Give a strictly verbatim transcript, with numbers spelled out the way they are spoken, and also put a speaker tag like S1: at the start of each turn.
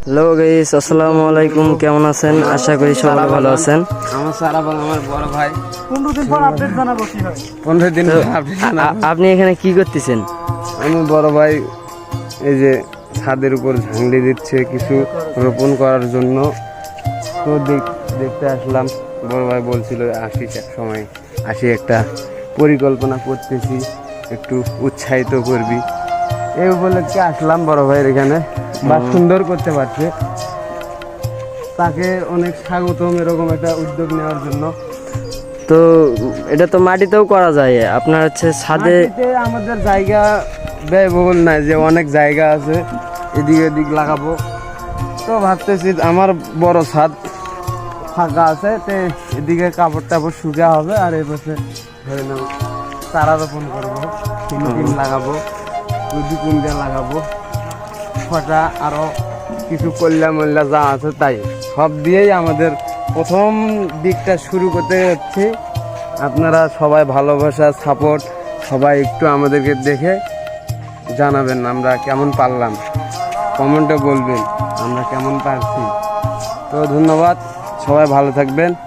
S1: Hello guys, আসসালামু আলাইকুম। কেমন আছেন? আশা করি সবাই ভালো আছেন।
S2: আমার সারা বল আমার বড় ভাই
S3: পনেরো দিন পর আপডেট জানাবো কি হয়।
S2: পনেরো দিন
S1: তো,
S2: পর আপডেট
S1: আ-
S2: জানাবো।
S1: আপনি এখানে কি করতেছেন?
S2: আমি বড় ভাই এই যে ছাদের উপর ঝাংলি দিচ্ছে কিছু রোপণ করার জন্য, তো দেখ- দেখতে আসলাম। বড় ভাই বলছিল আসিস এক সময়, আসি একটা পরিকল্পনা করতেছি, একটু উৎসাহিত করবি, এই উপলক্ষে আসলাম বড় ভাইয়ের এখানে। বা সুন্দর করতে পারছে, তাকে অনেক স্বাগতম এরকম একটা উদ্যোগ নেওয়ার জন্য।
S1: তো এটা তো মাটিতেও করা যায়, আপনার হচ্ছে ছাদে।
S2: মাটিতে আমাদের জায়গা ব্যয়বহুল নাই, যে অনেক জায়গা আছে এদিক এদিক লাগাবো। তো ভাবতেছি আমার বড় ছাদ ফাঁকা আছে, তো এদিকে কাপড় টাপড় শুকা হবে, আর এই পাশে ধরে নাও চারা রোপণ করবো, ফিলিপিন লাগাবো, কুন্ডা লাগাবো, ছটা আরো কিছু কল্যা মল্যা যা আছে তাই সব দিয়েই আমাদের প্রথম দিকটা শুরু করতে হচ্ছে। আপনারা সবাই ভালোবাসা সাপোর্ট সবাই একটু আমাদেরকে দেখে জানাবেন আমরা কেমন পারলাম, কমেন্টে বলবেন আমরা কেমন পারছি। তো ধন্যবাদ, সবাই ভালো থাকবেন।